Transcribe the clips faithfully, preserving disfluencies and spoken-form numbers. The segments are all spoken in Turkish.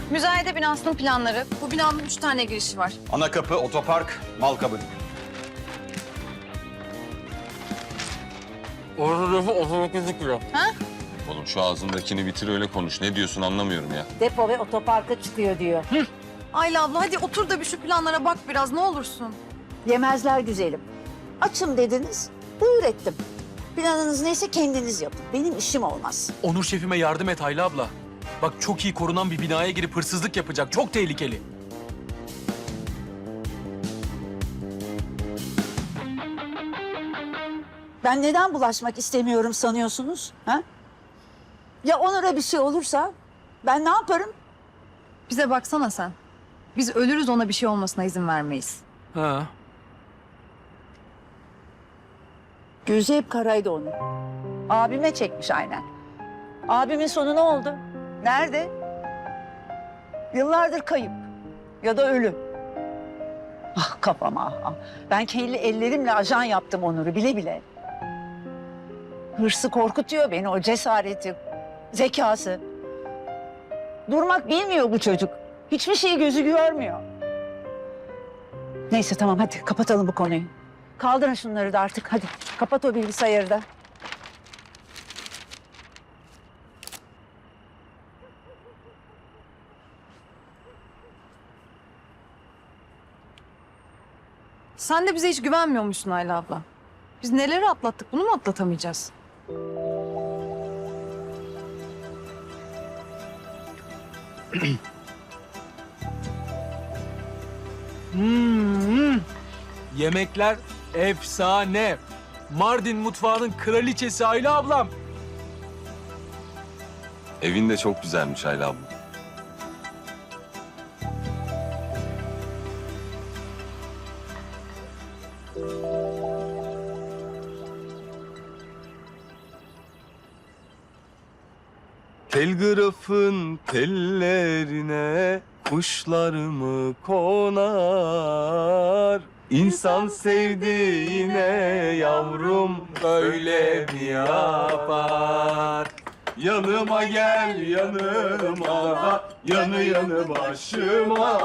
Müzayede binasının planları. Bu binanın üç tane girişi var. Ana kapı, otopark, mal kabı. Orada otuz dokuz kilo. Ha? Oğlum şu ağzındakini bitir öyle konuş. Ne diyorsun anlamıyorum ya. Depo ve otoparka çıkıyor diyor. Ayla abla hadi otur da bir şu planlara bak biraz ne olursun. Yemezler güzelim. Açım dediniz, buyur ettim. Planınız neyse kendiniz yapın. Benim işim olmaz. Onur şefime yardım et Ayla abla. Bak çok iyi korunan bir binaya girip hırsızlık yapacak. Çok tehlikeli. Ben neden bulaşmak istemiyorum sanıyorsunuz? Ha? Ya Onur'a bir şey olursa ben ne yaparım? Bize baksana sen. Biz ölürüz ona bir şey olmasına izin vermeyiz. Ha. Gözü hep karaydı onun. Abime çekmiş aynen. Abimin sonu ne oldu? Nerede? Yıllardır kayıp ya da ölü. Ah kafama ah, ah. Ben kendi ellerimle ajan yaptım Onur'u bile bile. Hırsı korkutuyor beni, o cesareti, zekası. Durmak bilmiyor bu çocuk. Hiçbir şeyi gözü görmüyor. Neyse tamam hadi kapatalım bu konuyu. Kaldırın şunları da artık hadi. Kapat o bilgisayarı da. Sen de bize hiç güvenmiyormuşsun Ayla abla. Biz neleri atlattık bunu mu atlatamayacağız? Hmm. Yemekler efsane. Mardin mutfağının kraliçesi Ayla ablam. Evin de çok güzelmiş Ayla abla. Telgrafın tellerine kuşlar mı konar? İnsan sevdiğine yavrum böyle mi yapar? Yanıma gel yanıma, yanı yanı başıma.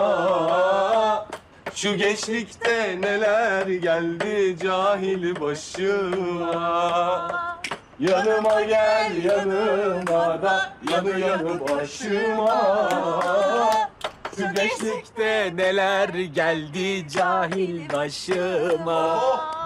Şu gençlikte neler geldi cahil başıma. Yanıma gel yanıma da yanı yanı başıma. Şu gençlikte neler geldi cahil başıma.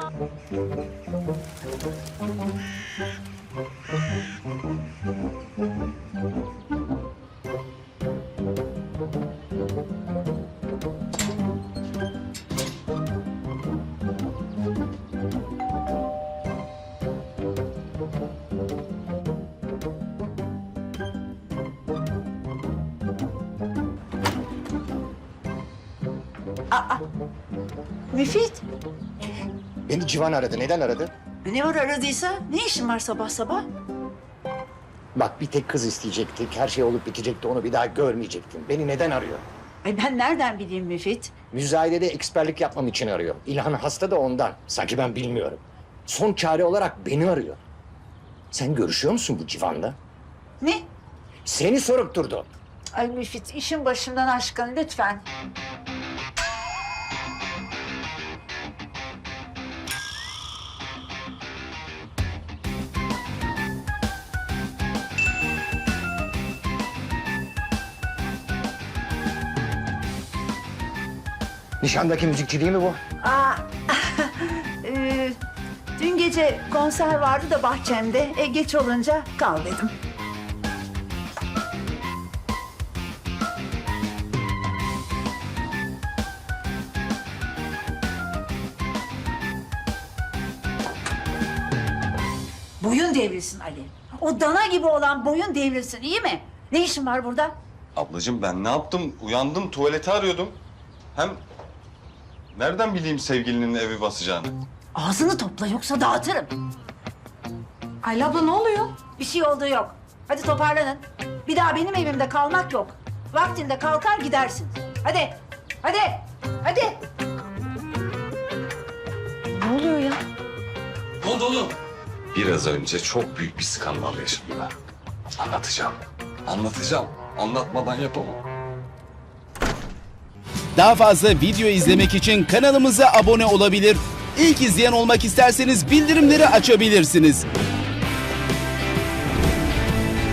Müfit, Beni Civan aradı. Neden aradı? ne var aradıysa? Ne işin var sabah sabah? Bak bir tek kız isteyecektik. Her şey olup bitecekti. Onu bir daha görmeyecektin. Beni neden arıyor? Ay ben nereden bileyim Müfit? Müzayedede eksperlik yapmam için arıyor. İlhan hasta da ondan. Sanki ben bilmiyorum. Son çare olarak beni arıyor. Sen görüşüyor musun bu Civan'la? Ne? Seni sorup durdu. Ay Müfit, işin başımdan aşkın lütfen. Nişandaki müzikçi değil mi bu? Aa, e, dün gece konser vardı da bahçemde. E, geç olunca kal dedim. Boyun devrilsin Ali. O dana gibi olan boyun devrilsin, iyi mi? Ne işin var burada? Ablacığım ben ne yaptım? Uyandım tuvaleti arıyordum. Hem nereden bileyim sevgilinin evi basacağını? Ağzını topla yoksa dağıtırım. Ayla abla ne oluyor? Bir şey olduğu yok. Hadi toparlanın. Bir daha benim evimde kalmak yok. Vaktinde kalkar gidersin. Hadi, hadi, hadi. Ne oluyor ya? Ne oldu oğlum? Biraz önce çok büyük bir skandal yaşadım ben. Anlatacağım. Anlatacağım. Anlatmadan yapamam. Daha fazla video izlemek için kanalımıza abone olabilir. İlk izleyen olmak isterseniz bildirimleri açabilirsiniz.